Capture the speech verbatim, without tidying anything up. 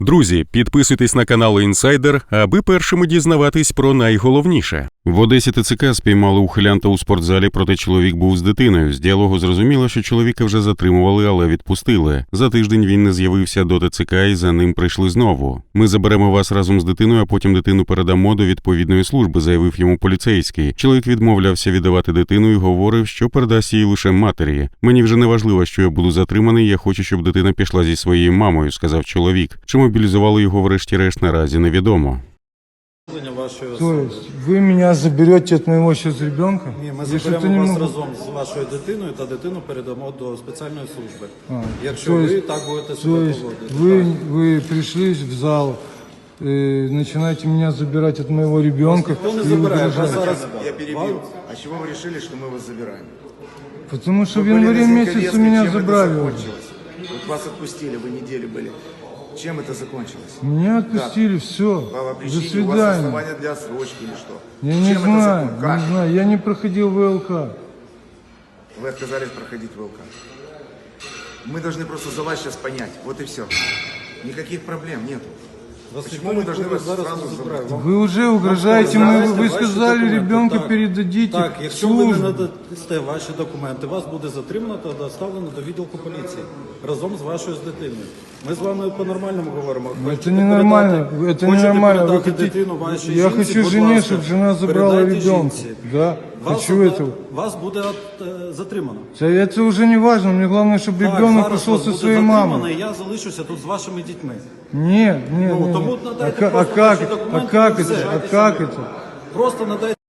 Друзі, підписуйтесь на канал Інсайдер, аби першими дізнаватись про найголовніше. В Одесі ТЦК спіймали ухилянта у спортзалі, проте чоловік був з дитиною. З діалогу зрозуміло, що чоловіка вже затримували, але відпустили. За тиждень він не з'явився до ТЦК і за ним прийшли знову. «Ми заберемо вас разом з дитиною, а потім дитину передамо до відповідної служби», – заявив йому поліцейський. Чоловік відмовлявся віддавати дитину і говорив, що передасть її лише матері. «Мені вже не важливо, що я буду затриманий, я хочу, щоб дитина пішла зі своєю мамою», – сказав чоловік. Чи мобілізували його врешті-решт, наразі невідомо. То есть вы меня заберете от моего сейчас ребенка? Ні, ми заберемо вас могу... разом з вашою дитиною та дитину передамо до спеціальної служби. А, Якщо ви есть, так будете себе поводити. Вы, вы пришли в зал, э, начинаете меня забирать от моего ребенка. Никто не забирает. Зараз... Я перебил. А чего вы решили, что мы вас забираем? Потому что в январе месяце меня забрали. Вот вас отпустили, вы неделю были. Чем это закончилось? Меня отпустили, как? Все. До свидания. У вас основания для отсрочки или что? Я не Чем знаю, не знаю. Я не проходил ВЛК. Вы отказались проходить ВЛК. Мы должны просто за вас сейчас понять. Вот и все. Никаких проблем нету. Вас Почему мы должны вас сразу забрать? Вы уже угрожаете, мы, вы сказали, ребенка так, передадите. Так, якщо ви не надасте ваші документи, вас буде затримано та доставлено до відділку поліції разом з вашою з дитиною. Ми з вами по-нормальному говоримо. Это ненормально, это ненормально. Вы хотите... дитину вашій Я жінці, хочу жене, ласка, чтобы жена забрала ребенка. Да, вас, хочу этого. Вас буде от, е, затримано. Это уже не важно, мне главное, чтобы Так, ребенок пошел со своей мамой. І я залишуся тут з вашими дітьми. Нет, нет, Ну, нет. тому А, надайте а просто как, ваші а документи, как і это, все. а как это? Просто надайте.